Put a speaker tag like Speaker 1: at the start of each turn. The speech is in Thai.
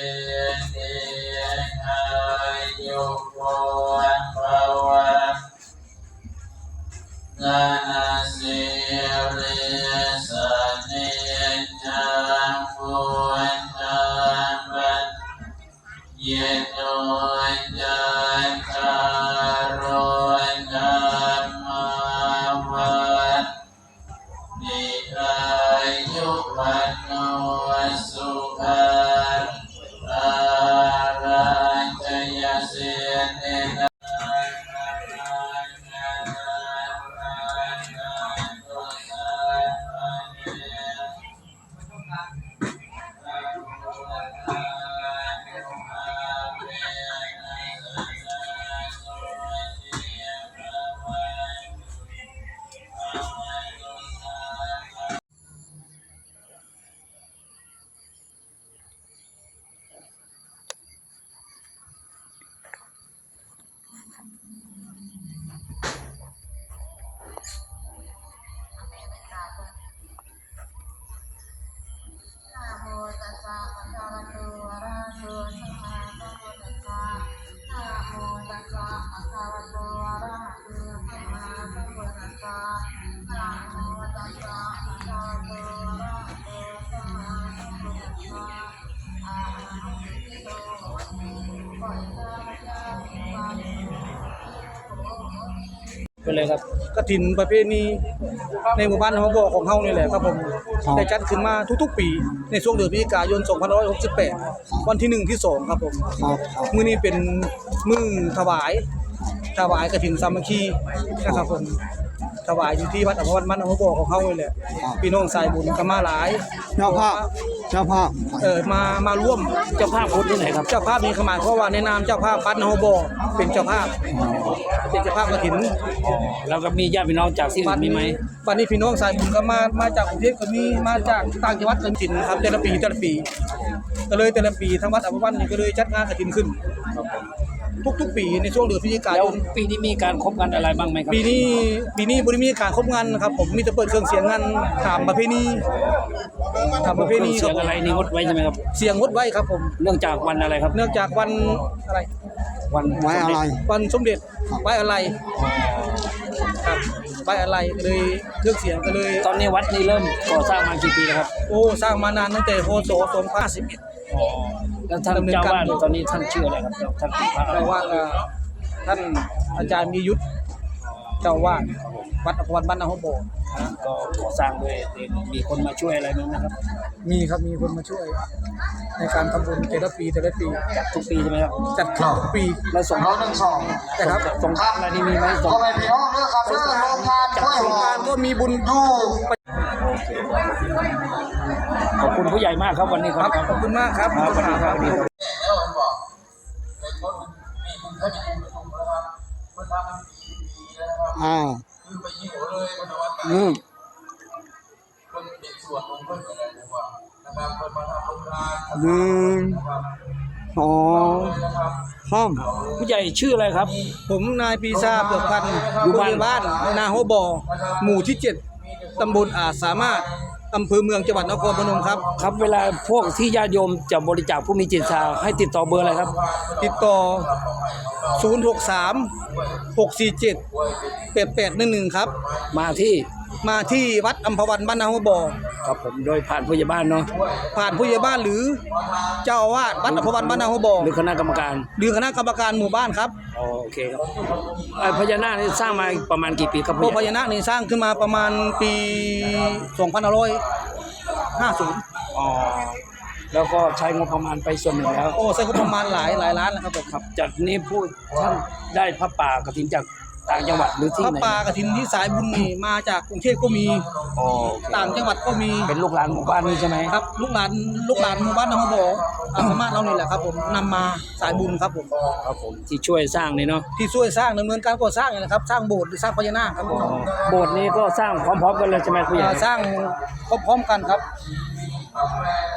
Speaker 1: ติอายุโกภวะนานาสิริสเนจังพุทธังปัจเยโนจันทารโธธัมมาวัฏนิอายุวันโนสุขังอารัญจยเสเนนะ
Speaker 2: ไปเลยครับ
Speaker 3: กฐินประเพณีในหมู่บ้านเขาบอกของเฮานี่แหละครับผมได้จัดขึ้นมาทุกๆปีในช่วงเดือนพฤศจิกายน2568วันที่1ที่2ครับผมมื้อนี้เป็นมื้อถวายกฐินสามัคคีนะครับผมถวายอยู่ที่วัดอภวันมันเขาบอกของเฮานี่แหละพี่น้องสายบุญก็มาหลายเจ้าภาพมาร่วม
Speaker 2: เจ้าภาพคนที่ไหนครับ
Speaker 3: เจ้าภาพมีขมายเพราะว่าในนามเจ้าภาพวัดเฮาบอกเป็นเจ้าภาพกฐิน
Speaker 2: แล้วก็มีญาติพี่น้องจากที่อื่นมีไหม
Speaker 3: วันนี้พี่น้องสายบุญก็มาจากกรุงเทพก็มีมาจากต่างจังหวัดกฐินครับแต่ละปีก็เลยแต่ละปีทางวัดอภวันนี่ก็เลยจัดงานกฐินขึ้นทุกปีในช่วงเดือนพฤศจิกา
Speaker 2: แล้
Speaker 3: ยว น
Speaker 2: ปีนี้มีการคบกันอะไรบ้างไหมครับ
Speaker 3: ปีนี้บ่ได้มีการครบงานนะครับผมมีแต่เปิดเครื่องเสียงงานตามประเพณีค
Speaker 2: เสี
Speaker 3: รั
Speaker 2: ย
Speaker 3: บ
Speaker 2: งอะไรนี่งดไว้ใช่ไหมครับ
Speaker 3: เสียงงดไว้ครับผม
Speaker 2: เนื่องจากวันอะไรครับ
Speaker 3: เนื่องจากวันอะไร
Speaker 2: วัน
Speaker 4: ไว้อะไร
Speaker 3: วันสมเด็จไว้อะไรครับไว้อะไรก็เลยเครื่องเสียงก็เลย
Speaker 2: ตอนนี้วัดนี้เริ่มก่อสร้างมากี่ปีแล้วครับ
Speaker 3: โอ้สร้างมานานตั้งแต่พศ2551
Speaker 2: แล้วท่านเจ้าวาดตอนนี้ท่านชื่ออะไรครับท่านเป็นพระอะไร
Speaker 3: เจ้าวาดท่านอาจารย์มียุทธเจ้าวาดวัดอภวันบ้านนาโฮโบ
Speaker 2: ก็ก่อสร้างด้วยมีคนมาช่วยอะไรบ้างนะครับ
Speaker 3: มีครับมีคนมาช่วยในการทำบุญแต่ละปี
Speaker 2: จัดทุกปีใช่ไหมครับ
Speaker 3: จัดทุกปี
Speaker 2: แล้วส่ง
Speaker 3: นะครับ
Speaker 2: ส่งข้าวอะไรนี่มีไหมส่ง
Speaker 4: พ่อแม่พี่น้องเด้อครับเด้อโรงงานกล้วย
Speaker 3: ส
Speaker 4: ห
Speaker 3: ง
Speaker 4: อก
Speaker 3: รานต์ก็มีบุญ
Speaker 4: อยู่
Speaker 2: ขอบคุณผู้ใหญ่มากครับวันนี้ครับ
Speaker 3: ขอบคุณมากครับ
Speaker 2: ครับสวัสดีครับสวัสดีครับ
Speaker 1: แล้วมันบอกเป็นคนมีคุณแค่มีคุณประชุมนะครับคนทำมันปีแล้วนะครับ คือไปยิ่งหัวเลยคนวัดตาคนเด็กส่วนของเพื่อนอะไรผมว่านะครับคนมาทำโรงงานนะครับ นะครับ
Speaker 2: ผู้ใหญ่ชื่ออะไรครับ
Speaker 3: ผมนายปีชาเปลือกพันธุ์อยู่บ้านนาโฮบอหมู่ที่ 7 ตำบลอาจสามารถอำเภอเมืองจังหวัดนครพนมครับ
Speaker 2: ครับเวลาพวกที่ญาติโยมจะบริจาคผู้มีจิตศรัทธาให้ติดต่อเบอร์อะไรครับ
Speaker 3: ติดต่อ 063-647-8811 ครับ
Speaker 2: มาที่
Speaker 3: วัดอัมพวันบ้านนาโฮบอ
Speaker 2: ครับผมโดยผ่านผู้ใหญ่บ้านเนาะ
Speaker 3: ผ่านผู้ใหญ่บ้านหรือเจ้าอาวาสวัดอัมพวันบ้านนาโฮบอ
Speaker 2: หรือคณะกรรมการ
Speaker 3: หรือคณะกรรมการหมู่บ้านครับ
Speaker 2: อ๋อโอเคครับพญานาคนี่สร้างมาประมาณกี่ปีครับ
Speaker 3: พวกพ
Speaker 2: ผู้ใหญ่
Speaker 3: ญานาคนี่สร้างขึ้นมาประมาณปี2550
Speaker 2: อ๋อแล้วก็ใช้งบประมาณไปส่วนหนึ่งแล้ว
Speaker 3: โอ้ใช้งบประมาณหลายล้านนะครับผม
Speaker 2: ครับจากนี้ผู้ท่านได้พระป่ากฐินจากต่างจังหวัดหรือที่
Speaker 3: พระ
Speaker 2: ไหน
Speaker 3: ป่ากฐินที่สายบุญนี่มาจากกรุงเทพก็มี
Speaker 2: อ๋อโอเค
Speaker 3: ต่างจังหวัดก็มี
Speaker 2: เป็นลูกหลานหมู่บ้านนี้ใช่ไหม
Speaker 3: ครับลูกหลานหมู่บ้านนาโฮบอสามารถเรานี่แหละครับผมนำมาสายบุญครับผม
Speaker 2: ครับผมที่ช่วยสร้างนี่เนาะ
Speaker 3: ที่ช่วยสร้างดำเนินการก่อสร้างนี่นะครับสร้างโบสถ์หรือสร้างพญานาคครับผม
Speaker 2: โบสถ์นี้ก็สร้างพร้อมๆกันเลยใช่ไหมผู้ใหญ่
Speaker 3: สร้างพร้อมๆกันครับ